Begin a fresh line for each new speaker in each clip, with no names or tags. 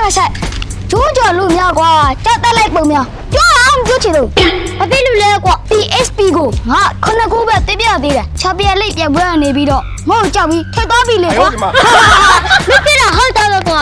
ကဆိုင်ကျိုးကြော်လို့များကွာကြောက်တက်လိုက်ပုံများပြောအောင်ပြောချင်လို့ဘာဖြစ်လို့လဲကွာ PSP ကိုငါခုနှစ်ခုပဲတင်ပြသေးတယ်ချာပြန်လိပ်ပြန်ပွဲနေပြီးတော့ငါ့ကိုကြောက်ပြီးထက်သွားပြီလေကွာမဖြစ်တာဟုတ်တယ်ကွာ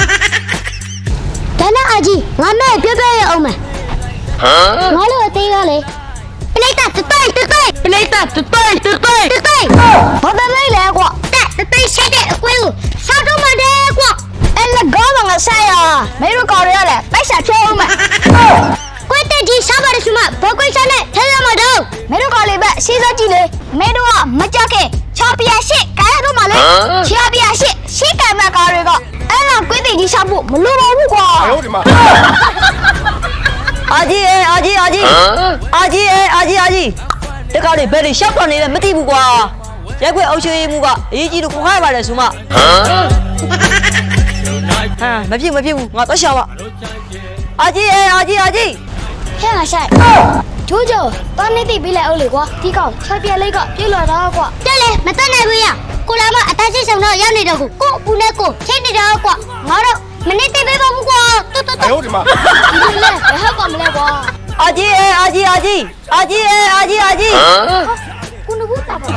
ဒါနဲ့အကြီးငါမဲ့ပြောပြရအောင်မယ်ငါတို့အသေးကလေပလိုက်တာတိုင်ပလိုက်တာတိုင်ဘာတလိုက်လဲကွာတိုင်ရှိတဲ့အကွင်းကိုစားတော့မှတယ်ကွာအဲ့လကောင်းငါဆိုင်ရမင်းတို့ကော်ရရတယ်ပိုက်စားဖြုံးအောင်မယ်ကွတ်တက်ကြီးစားပါရစမဘကွိစားနဲ့ထဲရမှာတော့မင်းတို့ကော်လေးပဲစီးစားကြည့်လေမင်းတို့ကမကြခင်ချော်ပြရှစ်ကားရတော့မှလေချော်ပြရှစ်ရှစ်ကံမကားတွေကအဲ့တော့ကွတ်တက်ကြီးစားဖို့မလိုပါဘူးကွာဟုတ်ဒီမှာ
အာကြီးတခါလေဘယ်လိုရှောက်တော့နေလဲမသိဘူးကွာရက်ခွေအုပ်ချုပ်ရေးမှုကအရေးကြီးလို့ခေါ်ရပါတယ်ဆိုမှမဖြစ်ဘူးငါတော့ရှာပါအာကြီး
ဟဲ့ငါဆိုင်ကျိုးကျော်တောင်းနေသိပြီးလိုက်အောင်လေကွာဒီကောင်ချော်ပြလိုက်ကပြေးလာတာကွာတက်လေမတက်နိုင်ဘူးရကိုလာမအသားစစ်ဆောင်တော့ရောက်နေတော့ကိုပူနဲ့ကိုချိန်နေတော့ကွာငါတို့မနေ့သိပေးပါဘူးကွာတော်ဟုတ်ဒီမှာဒီလေဘယ်ဟုတ်ပါမလဲကွာ
အာကြီး
ကိုနဘူးတာပါ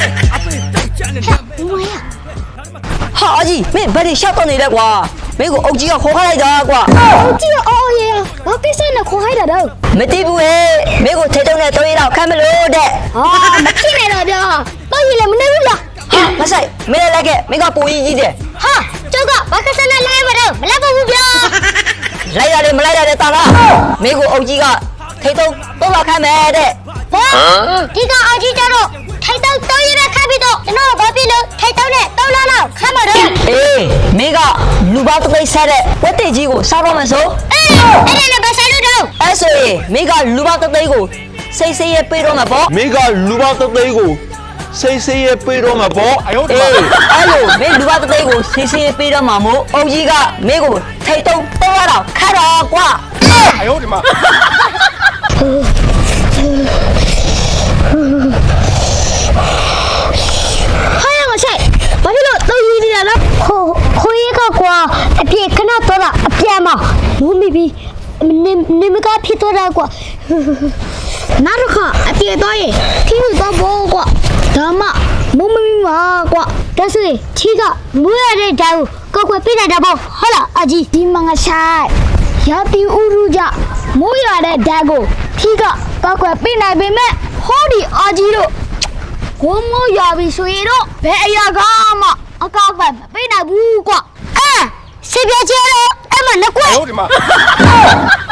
ဘူးမရ
ဟာအာကြီးမင်းဘယ်လိုရှောက်တော့နေလဲကွာမင်းကိုအုပ်ကြီးကခေါ်ခိုင်းလိုက်တာကွာ
အုပ်ကြီးကအော်ရေဘာကိစ္စနဲ့ခေါ်ခိုင်းတာတော့
မသိဘူးဟဲ့မင်းကိုထဲတုံးနဲ့တွဲရတော့ခံမလို့တဲ့
ဟာမဖြစ်နဲ့တော့ဗျာတော့ရည်လည်းမနေဘူးလား
ဟာမဆိုင်မင်းလည်းခဲ့မင်းကပူကြီးတယ်
ဟာကျုပ်ကဘာကိစ္စနဲ့လဲမတော့မလဲပါဘူးဗျာ
လိုက်ရတယ်မလိုက်ရတယ်တာလားမင်းကိုအုပ်ကြီးကထိတ်တုံးတော့လာခံမယ်တဲ့
ဘာဒီကအကြီးကြတော့ထိုက်တော့တောင်းရတဲ့ခါပြီးတော့ကျွန်တော်ဘာဖြစ်လို့ထိုက်တော့နဲ့တောင်းလာတော့ခမ်းမတော့
အေးမင်းကလူပေါင်းတစ်သိန်းဆက်တဲ့ဝက်တေကြီးကိုစားတော့မယ်ဆို
အေးအဲ့ဒါလည်းဘာဆိုင်လို့တော့
အဲ့ဆိုရင်မင်းကလူပေါင်းတစ်သိန်းကိုစိတ်ရဲပေးတော့မှာပေါ့
မင်းကလူပေါင်းတစ်သိန်းကိုစိတ်ရဲပေးတော့မှာပေါ့
အေးအဲ့လိုမင်းလူပေါင်းတစ်သိန်းကိုစိတ်ရဲပေးတော့မှာမို့အုပ်ကြီးကမင်းကိုထိတ်တုံးတော့ရတော့ခါတော့ကွာ
ဟုတ်ဒီမှာ
ဘာဖြစ်လို့တော့ယူနေတာလဲခိုးရကကွာအပြေခဏတော့တာအပြန်မမူးမိပြီးနေမကဖြစ်တော့တာကွာနားရခအပြေတော့ရင်ခီးလို့တော့ဘောကွာဒါမှမူးမိမှာကွာဒါဆိုရင်ချီကမွေးရတဲ့ဓာတ်ကိုကောက်ွယ်ပြလိုက်တာပေါ့ဟုတ်လားအကြီးဒီမငါဆိုင်ရာတီဥရုကြမိုးရတဲ့ဓာတ်ကိုခီးကကောက်ွယ်ပြနိုင်ပေမဲ့ဟောဒီအကြီးတို့ကိုမိုးရပြီဆိုရင်တော့ဘယ်အရာကမှအကောက်ပဲမပေးနိုင်ဘူးကွာဆေးပြချဲတော့အဲ့မှာငကွက်
ဟုတ်ဒီမှာ